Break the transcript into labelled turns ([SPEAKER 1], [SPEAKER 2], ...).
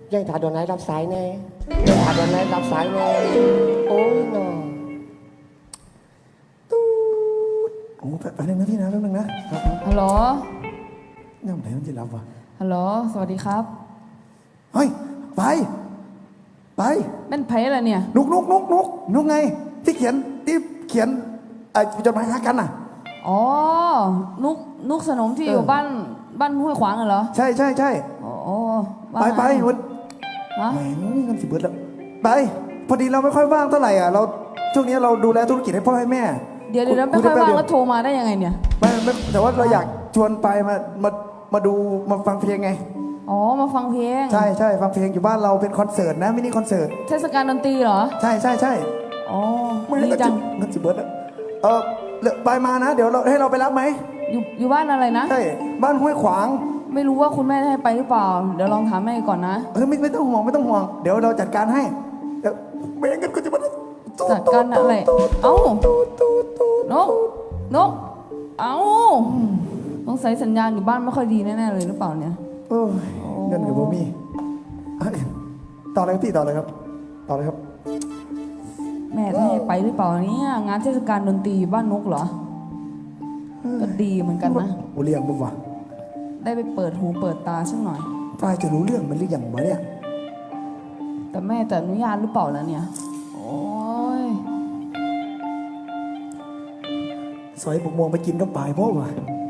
[SPEAKER 1] ยายถาโดนไหนรับสายแน่ยายถาโดนไหนรับสายแน่โอ้ยน้อง
[SPEAKER 2] โอ้แป๊บนึงนะพี่นะแป๊บนึงนะ
[SPEAKER 3] ฮัลโหล
[SPEAKER 2] เนี่ยไหนมันจะรับวะ
[SPEAKER 3] ฮัลโหล สวัสดีครับ
[SPEAKER 2] เฮ้ยไป
[SPEAKER 3] เป็นไผ่อะไรเนี่ย
[SPEAKER 2] นุกไงที่เขียนไอ้จดหมายหากันน่ะ
[SPEAKER 3] อ๋อ นุกสนมที่
[SPEAKER 2] เออ
[SPEAKER 3] อ
[SPEAKER 2] อ
[SPEAKER 3] ยู่บ้านห้วยขวางเหรอ
[SPEAKER 2] ใช่
[SPEAKER 3] อ๋อว่า
[SPEAKER 2] ไป
[SPEAKER 3] ไง
[SPEAKER 2] วัน
[SPEAKER 3] ฮะ
[SPEAKER 2] แหมเงินสิบเบิร์ดแล้วไปพอดีเราไม่ค่อยว่างเท่าไหร่อ่ะเราช่วงนี้เราดูแลธุรกิจให้พ่อให้แม่
[SPEAKER 3] เดี๋ยวไม่ค่อยว่างแล้วโทรมาได้ยังไงเนี่ย
[SPEAKER 2] ไม่แต่ว่าเราอยากชวนไปมาดูมาฟังเพลงไง
[SPEAKER 3] อ๋อ มาฟังเพลง
[SPEAKER 2] ใช่ฟังเพลงอยู่บ้านเราเป็นคอนเสิร์ตนะมินิคอนเสิร์ต
[SPEAKER 3] เทศกาลดนตรีเหรอ
[SPEAKER 2] ใช่
[SPEAKER 3] อ๋อ
[SPEAKER 2] ไม่
[SPEAKER 3] ดีจัง
[SPEAKER 2] เงินสิบเบิร์ดแล้วไปมานะเดี๋ยวเราให้เราไปรับไหม
[SPEAKER 3] อยู่บ้านอะไรนะ
[SPEAKER 2] ใช่บ้านห้วยขวาง
[SPEAKER 3] ไม่รู้ว่าคุณแม่ให้ไปหรือเปล่า เดี๋ยวลองถามแม่ก่อนนะ
[SPEAKER 2] ไม่ต้องห่วงเดี๋ยวเราจัดการให้เดี๋ยวไม่งั้นก็จะมา
[SPEAKER 3] จัดการอะไร เอ้านก เอ้าสงสัยสัญญาณอยู่บ้านไม่ค่อยดีแน่ๆเลยหรือเปล่าเนี่ย
[SPEAKER 2] โอ้ยเงินกับโบมี่ต่อเลยครับพี่ต่อเลยครับ
[SPEAKER 3] แม่ให้ไปหรือเปล่าเนี่ยงานเทศกาลดนตรีอยู่บ้านนกเหรอ ก็ดีเหมือนกันนะ
[SPEAKER 2] โอเลี้ยงบุ้งวะ
[SPEAKER 3] ได้ไปเปิดหูเปิดตาสักหน่อย
[SPEAKER 2] ฝ้ายจะรู้เรื่องมันหรือยังวะเนี่ย
[SPEAKER 3] แต่แม่จะอนุญาตหรือเปล่าแล้วเนี่ย โอ้ย
[SPEAKER 2] ซอยบกม่วงไปกินก็ปลายเพราะวะ